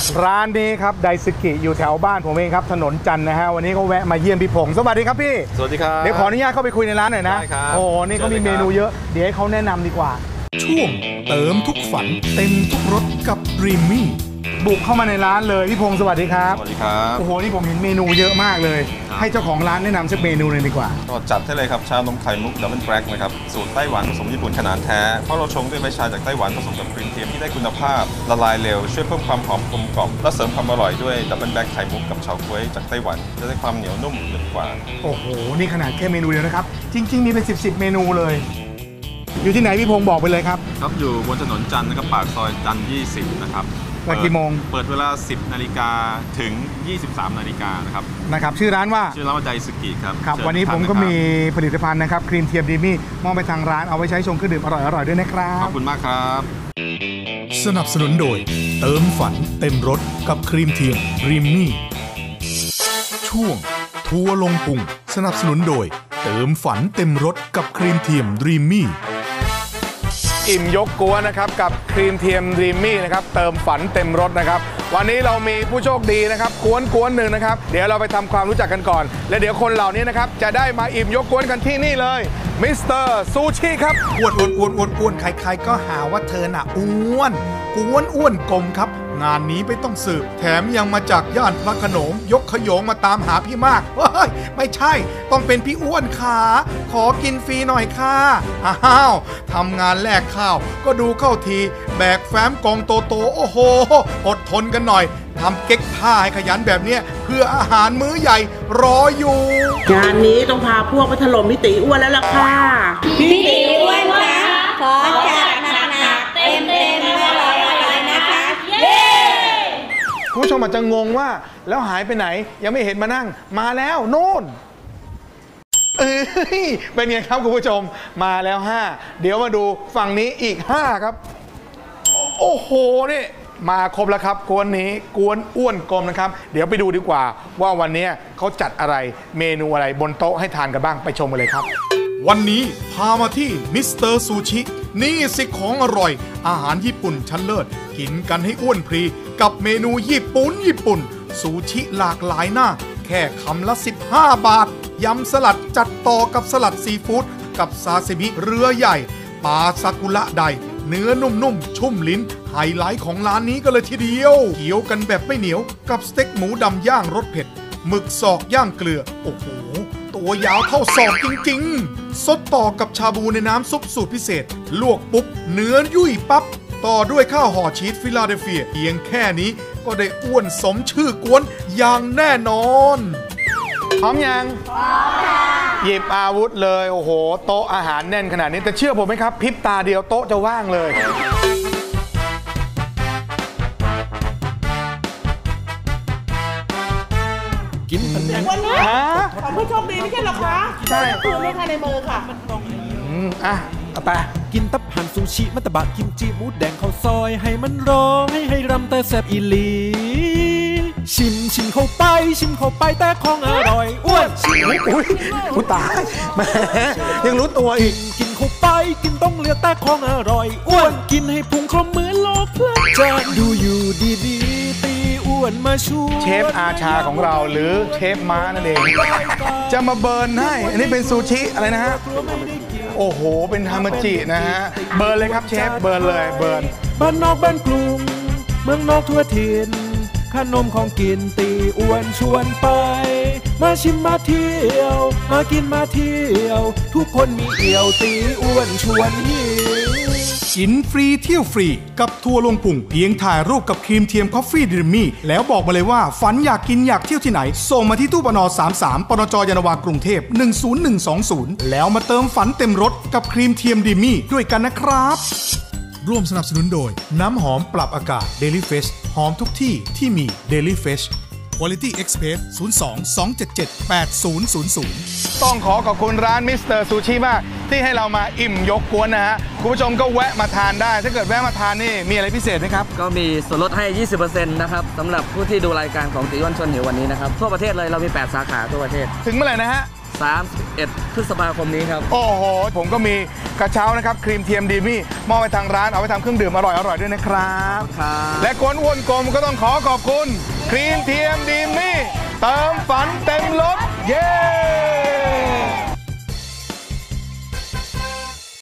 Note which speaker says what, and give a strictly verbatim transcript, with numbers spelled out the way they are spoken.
Speaker 1: ร้านนี้ครับไดซึกิอยู่แถวบ้านผมเองครับถนนจันทร์นะฮะวันนี้ก็แวะมาเยี่ยมพี่พงศ์สวัสดีครับพี่
Speaker 2: สวัสดีครับ
Speaker 1: เดี๋ยวขออนุญาตเข้าไปคุยในร้านหน่อยนะโอ้นี่เขามีเมนูเยอะเดี๋ยวให้เขาแนะนำดีกว่า
Speaker 3: ช่วงเติมทุกฝันเต็มทุกรสกับรีมมี่
Speaker 1: บุกเข้ามาในร้านเลยพี่พงศ์สวัสดีครับ
Speaker 2: สวัสดีครับ
Speaker 1: โอ้โหนี่ผมเห็นเมนูเยอะมากเลยให้เจ้าของร้านแนะนำสักเมนูเลยดีกว่า
Speaker 2: ก็จัดให้เลยครับชานมไข่มุกดับเบิลแบล็กนะครับสูตรไต้หวันผสมญี่ปุ่นขนาดแท้เพราะเราชงด้วยใบชาจากไต้หวันผสมกับครีมเทียมที่ได้คุณภาพละลายเร็วช่วยเพิ่มความหอมกลมกล่อมและเสริมความอร่อยด้วยดับเบิลแบล็กไข่มุกกับเฉาก๊วยจากไต้หวันจะได้ความเหนียวนุ่มหนึบกว่า
Speaker 1: โอ้โหนี่ขนาดแค่เมนูเดียวนะครับจริงๆมีเป็นสิบสิบเมนูเลยอยู่ที่ไหนพี่พงศ์บอกไปเลยครับ
Speaker 2: ครับอยู่บนถนนจันทร์นะครับปากซอยจันทร์ยี่สิบนะครับ
Speaker 1: เปิดกี่โมง
Speaker 2: เปิดเวลาสิบนาฬิกาถึงยี่สิบสามนาฬิกานะครับ
Speaker 1: นะครับชื่อร้านว่า
Speaker 2: ชื่อร้านว่าไดซึกิครับ
Speaker 1: ครับวันนี้ผมก็มีผลิตภัณฑ์นะครับครีมเทียมดีมี่มอบไปทางร้านเอาไว้ใช้ชงเครื่องดื่มอร่อยๆด้วยนะครับ
Speaker 2: ขอบคุณมากครับ
Speaker 3: สนับสนุนโดยเติมฝันเต็มรสกับครีมเทียมรีมมี่ช่วงทัวร์ลงพุงสนับสนุนโดยเติมฝันเต็มรสกับครีมเทียมรีมมี่
Speaker 1: อิ่มยกกวนนะครับกับครีมเทียมดรีมมี่นะครับเติมฝันเต็มรสนะครับวันนี้เรามีผู้โชคดีนะครับกวนกวนหนึ่งนะครับเดี๋ยวเราไปทำความรู้จักกันก่อนและเดี๋ยวคนเหล่านี้นะครับจะได้มาอิ่มยกกวนกันที่นี่เลยมิสเตอร์ซูชิครับ
Speaker 3: อ้วนอ้วนอ้วนอ้วนอ้วนใครๆก็หาว่าเธอน่ะอ้วนกวนอ้วนกลมครับงานนี้ไม่ต้องสืบแถมยังมาจากย่านพระโขนงยกขยงมาตามหาพี่มากเฮ้ยไม่ใช่ต้องเป็นพี่อ้วนขาขอกินฟรีหน่อยค่ะอ้าวทำงานแลกข้าวก็ดูเข้าทีแบกแฟ้มกองโตโตโอ้โหอดทนกันหน่อยทำเก๊กผ้าให้ขยันแบบนี้เพื่ออาหารมื้อใหญ่รออยู่
Speaker 4: งานนี้ต้องพาพวกไปถล่มพี่ตีอ้วนแล้วล่ะค่ะ
Speaker 5: พี่ตีอ้วนคะขอจัดหนักๆเต็มเต็มอร่อยอร่อยนะคะเย้
Speaker 1: คุณผู้ชมอาจจะงงว่าแล้วหายไปไหนยังไม่เห็นมานั่งมาแล้วโน่นเอ้ยเป็นไงครับคุณผู้ชมมาแล้วห้าเดี๋ยวมาดูฝั่งนี้อีกห้าครับโอ้โหนี่มาครบแล้วครับกวนนี้กวนอ้วนกลมนะครับเดี๋ยวไปดูดีกว่าว่าวันนี้เขาจัดอะไรเมนูอะไรบนโต๊ะให้ทานกันบ้างไปชมกันเลยครับ
Speaker 3: วันนี้พามาที่มิสเตอร์ซูชินี่สิของอร่อยอาหารญี่ปุ่นชั้นเลิศกินกันให้อ้วนพรีกับเมนูญี่ปุ่นญี่ปุ่นซูชิหลากหลายหน้าแค่คำละสิบห้าบาทยำสลัดจัดต่อกับสลัดซีฟู้ดกับซาซิมิเรือใหญ่ปลาซากุระไดเนื้อนุ่มๆชุ่มลิ้นไฮไลท์ของร้านนี้ก็เลยทีเดียวเคี้ยวกันแบบไม่เหนียวกับสเต็กหมูดำย่างรสเผ็ดหมึกศอกย่างเกลือโอ้โหตัวยาวเท่าศอกจริงๆสดต่อกับชาบูในน้ำซุปสูตรพิเศษลวกปุ๊บเนื้อยุ่ยปั๊บต่อด้วยข้าวห่อชีสฟิลาเดลเฟียเพียงแค่นี้ก็ได้อ้วนสมชื่อกวนอย่างแน่นอน
Speaker 1: พร้อมยังพร้อมค่ะหยิบอาวุธเลยโอ้โหโต๊ะอาหารแน่นขนาดนี้แต่เชื่อผมไหมครับพริบตาเดียวโต๊ะจะว่างเลย
Speaker 4: กินวันนี้ของผู้โชคดีไม่ใช่หรอคะใช่ตัวเลขในมือค่ะ
Speaker 1: อืมอ่ะเอาไป
Speaker 6: กินตับหั่นซูชิมัตตบะกิมจิหมูแดงข้าวซอยให้มันร้องให้ให้รำแต่แซ่บอีหลีชิมชิมเข้าไปชิมเข้าไปแต่ของอร่อยอ้วนชิม
Speaker 1: อุ้ยอุ้ยตายแม่ยังรู้ตัวอีก
Speaker 6: กินเข้าไปกินต้องเลือกแต่ของอร่อยอ้วนกินให้พุงครบเหมือนโลกเพลิดจะดูอยู่ดีๆตีอ้วนมาชู
Speaker 1: เชฟอาชาของเราหรือเชฟม้านั่นเองจะมาเบิร์นให้อันนี้เป็นซูชิอะไรนะฮะโอ้โหเป็นฮามาจินะฮะเบิร์นเลยครับเชฟเบิร์นเลยเบิร์น
Speaker 6: บ้านนอกบ้านกรุงเมืองนอกทั่วถิ่นขนมของกินตีอ้วนชวนไปมาชิมมาเที่ยวมากินมาเที่ยวทุกคนมีเอี่ยวตีอ้วนชวนหิว
Speaker 3: กินฟรีเที่ยวฟรีกับทัวร์ลงพุงเพียงถ่ายรูปกับครีมเทียมคอฟฟี่ดรีมมี่แล้วบอกมาเลยว่าฝันอยากกินอยากเที่ยวที่ไหนส่งมาที่ตู้ปนสามสามปนจยานนาวากรุงเทพหนึ่งศูนย์หนึ่งสองศูนย์แล้วมาเติมฝันเต็มรถกับครีมเทียมดรีมมี่ด้วยกันนะครับร่วมสนับสนุนโดยน้ำหอมปรับอากาศ Daily Fresh หอมทุกที่ที่มี Daily Fresh Quality Express ศูนย์ สอง สอง เจ็ด เจ็ด แปด ศูนย์ ศูนย์ ศูนย์
Speaker 1: ต้องขอขอบคุณร้านมิสเตอร์ซูชิมากที่ให้เรามาอิ่มยกกวนนะฮะคุณผู้ชมก็แวะมาทานได้ถ้าเกิดแวะมาทานนี่มีอะไรพิเศษไหมครับ
Speaker 7: ก็มีส่วนลดให้ ยี่สิบเปอร์เซ็นต์ นะครับสำหรับผู้ที่ดูรายการของตีอ้วนชวนหิววันนี้นะครับทั่วประเทศเลยเรามีแปดสาขาทั่วประเทศ
Speaker 1: ถึงเมื่อไหร่นะฮะ
Speaker 7: สามสิบเอ็ด พฤษภาคมนี้ครับ
Speaker 1: โอ้โห ผมก็มีกระเช้านะครับครีมเทียมดีมี่มอบไปทางร้านเอาไปทำเครื่องดื่มอร่อยๆด้วยนะครับ
Speaker 7: ครับ
Speaker 1: และคนอ้วนกลมก็ต้องขอขอบคุณครีมเทียมดีมี่เติมฝันเต็มรถเย้